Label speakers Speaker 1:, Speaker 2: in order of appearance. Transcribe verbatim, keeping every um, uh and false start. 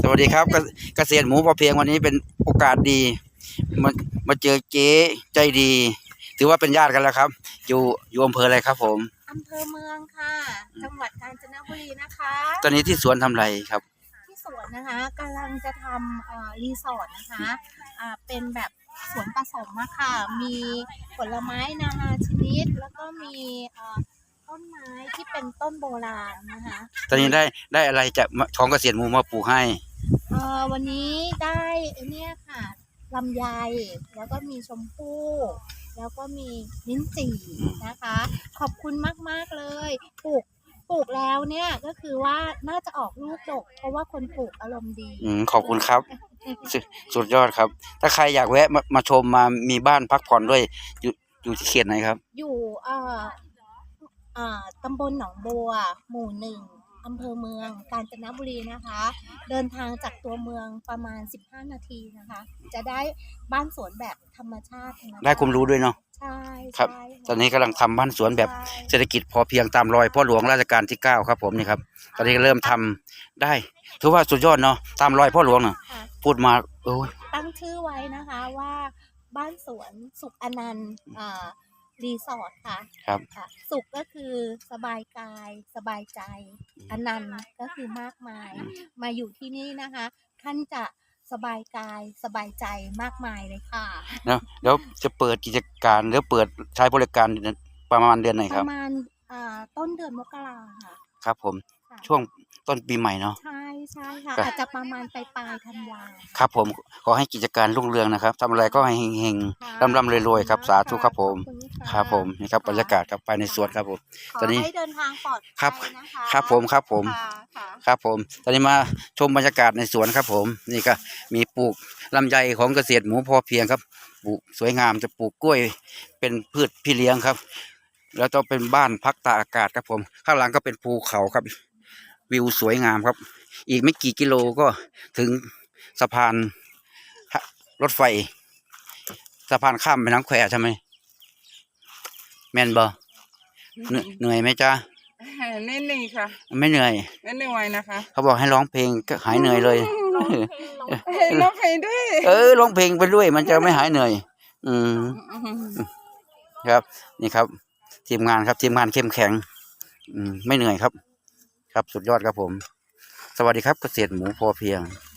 Speaker 1: วัสดีครับเกเกษตรหมูพอเพียงวันนี้เป็นโอกาสดีมามาเจอเจ๊ใจดี ถือว่าเป็นญาติกันแล้วครับ อยู่อยู่อำเภออะไรครับผม
Speaker 2: อำเภอเมืองค่ะจังหวัดกาญจนบุรีนะคะ
Speaker 1: ตอนนี้ที่สวนทำไรครับ
Speaker 2: ที่สวนนะคะกำลังจะทำรีสอร์ทนะคะเป็นแบบสวนผสมอะค่ะมีผลไม้นานาชนิดแล้วก็มีต้นไม้ที่เป็นต้นโบราณนะคะ
Speaker 1: ตอนนี้ได้ได้อะไรจากของเกษตรหมูมาปลูกให้
Speaker 2: วันนี้ได้เนี่ยค่ะลำไยแล้วก็มีชมพู่แล้วก็มีลิ้นจี่นะคะขอบคุณมากๆเลยปลูกปลูกแล้วเนี่ยก็คือว่าน่าจะออกลูกดกเพราะว่าคนปลูกอารมณ์ดี
Speaker 1: อืมขอบคุณครับสุดยอดครับถ้าใครอยากแวะมามาชมมามีบ้านพักผ่อนด้วยอยู่อยู่ที่เขตไหนครับ
Speaker 2: อยู่เอ่อเอ่อตำบลหนองบัวหมู่หนึ่งอำเภอเมืองกาญจนบุรีนะคะเดินทางจากตัวเมืองประมาณสิบห้านาทีนะคะจะได้บ้านสวนแบบธรรมชาติ
Speaker 1: ได้ความรู้ด้วยเนาะ
Speaker 2: ใช่
Speaker 1: ครับตอนนี้กำลังทำบ้านสวนแบบเศรษฐกิจพอเพียงตามรอยพ่อหลวงรัชกาลที่เก้าครับผมนี่ครับตอนนี้เริ่มทำได้ถือว่าสุดยอดเนาะตามรอยพ่อหลวงเนาะพูดมาโอ้ย
Speaker 2: ตั้งชื่อไว้นะคะว่าบ้านสวนสุขอนันต์รีสอร์ทค่ะ
Speaker 1: ครับ
Speaker 2: สุขก็คือสบายกายสบายใจอนันต์ก็คือมากมายมาอยู่ที่นี่นะคะท่านจะสบายกายสบายใจมากมายเลยค่ะ
Speaker 1: แล้วแล้วจะเปิดกิจการหรือเปิดใช้บริการประมาณเดือนไหนครับ
Speaker 2: ประมาณต้นเดือนมกราค่ะ
Speaker 1: ครับผมช่วงต้นปีใหม่เนาะ
Speaker 2: ใช่ใช่ค่ะอาจจะประมาณปลายปลายธันวา
Speaker 1: ครับผมขอให้กิจการรุ่งเรืองนะครับทำอะไรก็ให้เฮงๆร่ำๆรวยๆครับสาธุครับผมครับผมนี่ครับบรรยากาศครับไปในสวนครับผม
Speaker 2: ตอนนี้เดินทางปลอดภัย
Speaker 1: นะคะครับผมครับผมครับผมตอนนี้มาชมบรรยากาศในสวนครับผมนี่ก็มีปลูกลำไยของเกษตรหมูพอเพียงครับปลูกสวยงามจะปลูกกล้วยเป็นพืชพี่เลี้ยงครับแล้วต้องเป็นบ้านพักตากอากาศครับผมข้างหลังก็เป็นภูเขาครับวิวสวยงามครับอีกไม่กี่กิโลก็ถึงสะพานรถไฟสะพานข้ามแม่น้ำแควใช่ไหมแม่นบ่เหนื่อยไหมจ๊ะ
Speaker 3: ไม่เหนื่อยค่ะ
Speaker 1: ไม่เหนื่อย
Speaker 3: ไม่เหนื่อยนะคะ
Speaker 1: เขาบอกให้ร้องเพลงก็หายเหนื่อยเลย
Speaker 3: ร้องเพลงด้วย
Speaker 1: เออร้องเพลงไปด้วยมันจะไม่หายเหนื่อยอืมครับนี่ครับทีมงานครับทีมงานเข้มแข็งอืมไม่เหนื่อยครับครับสุดยอดครับผมสวัสดีครับเกษตรหมูพอเพียง